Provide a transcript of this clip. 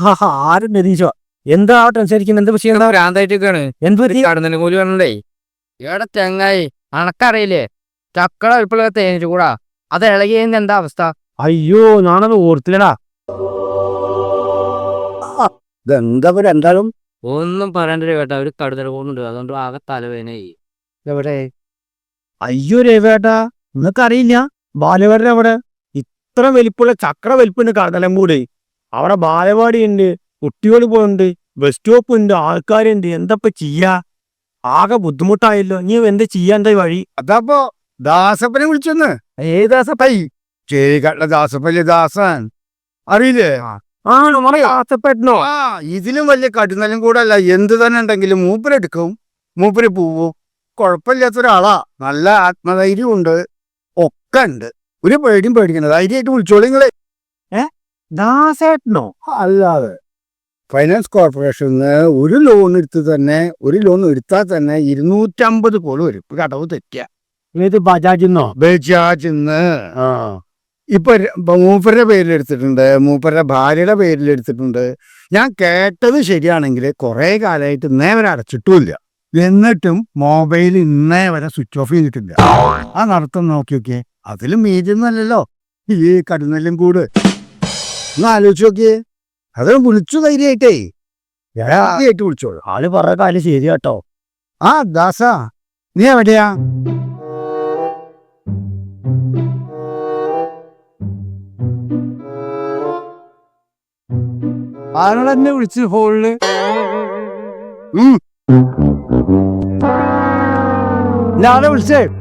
ആരും നിരീക്ഷോ എന്താ ടെൻഷനിരിക്കുന്നത്? എന്ത് വിഷയം? ഭ്രാന്തായിട്ടൊക്കെയാണ്. എന്ത് കടന്നലും കൂലി പറഞ്ഞേ ഇവിടെ ചെങ്ങായി അണക്കറിയില്ലേ ചക്കള ഇപ്പോഴൊക്കെ തേനിച്ചു കൂടാ അത് ഇളകിയതിന്റെ എന്താ അവസ്ഥ? അയ്യോ ഞാനത് ഓർത്തില്ലടാ. ഇതെന്താ എന്തായാലും ഒന്നും പറയണ്ടേ കേട്ടാ. ഒരു കടുതൽ പോകുന്നുണ്ട്, അതുകൊണ്ട് ആകെ തലവേദനയായി. എവിടെ? അയ്യോ രവേട്ടാ, നിങ്ങൾക്കറിയില്ല ബാലവാടി അവിടെ ഇത്ര വലിപ്പുള്ള ചക്ര വലിപ്പുണ്ട്. കടലമ്പൂട് അവിടെ ബാലവാടി ഉണ്ട്, കുട്ടികൾ പോകുന്നുണ്ട്, ബസ് സ്റ്റോപ്പ് ഉണ്ട്, ആൾക്കാരുണ്ട്. എന്തപ്പ ചെയ്യാ? ആകെ ബുദ്ധിമുട്ടായല്ലോ. നീ എന്താ ചെയ്യാ? എന്താ വഴി? അതപ്പോ ദാസപ്പനെ വിളിച്ചെന്ന്. ഏതാസപ്പൈ? ചേരിക്കാട്ടിലെ ദാസപ്പല്ലേ ദാസൻ, അറിയില്ലേ? ആ നമ്മളെ ആസപ്പെട്ടനോ? ആ ഇതിലും വലിയ കടുന്നലും കൂടെ അല്ല. എന്ത് തന്നെ ഉണ്ടെങ്കിലും മൂപ്പരെടുക്കും, മൂപ്പര് പോവും. കുഴപ്പമില്ലാത്ത ഒരാളാ, നല്ല ആത്മധൈര്യം ഉണ്ട്, ഒക്കെ ഉണ്ട്. ഒരു പേടിയും പേടിക്കണ്ട, ധൈര്യമായിട്ട് വിളിച്ചോളൂ നിങ്ങളെ. ദാസേട്ടനോ? അല്ലാതെ ഫൈനാൻസ് കോർപ്പറേഷന് ഒരു ലോൺ എടുത്താൽ തന്നെ 250 കോടി വരും. കടവ് തെറ്റിയ ഏത് ബജാജിന്നോ? ബജാജിന്ന്. ഇപ്പൊ മൂപ്പരുടെ പേരിലെടുത്തിട്ടുണ്ട്, മൂപ്പരുടെ ഭാര്യയുടെ പേരിലെടുത്തിട്ടുണ്ട്. ഞാൻ കേട്ടത് ശരിയാണെങ്കിൽ കുറെ കാലമായിട്ട് ഇന്നേ വരെ അടച്ചിട്ടുമില്ല. എന്നിട്ടും മൊബൈൽ ഇന്നേ വരെ സ്വിച്ച് ഓഫ് ചെയ്തിട്ടില്ല. ആ നടത്തം നോക്കി നോക്കിയേ, അതിലും മീതിന്നല്ലോ ഈ കടുന്നെല്ലും കൂട്. ഒന്ന് ആലോചിച്ച് നോക്കിയേ. അത് വിളിച്ചു ധൈര്യമായിട്ടേ, ആദ്യമായിട്ട് വിളിച്ചോളൂ. ആള് പറഞ്ഞ കാര്യം ശരിയാട്ടോ. ആ ദാസ, നീ എവിടെയാ? ആരോടെന്നെ വിളിച്ച് ഫോണില്? ഞാനെ വിളിച്ചേ.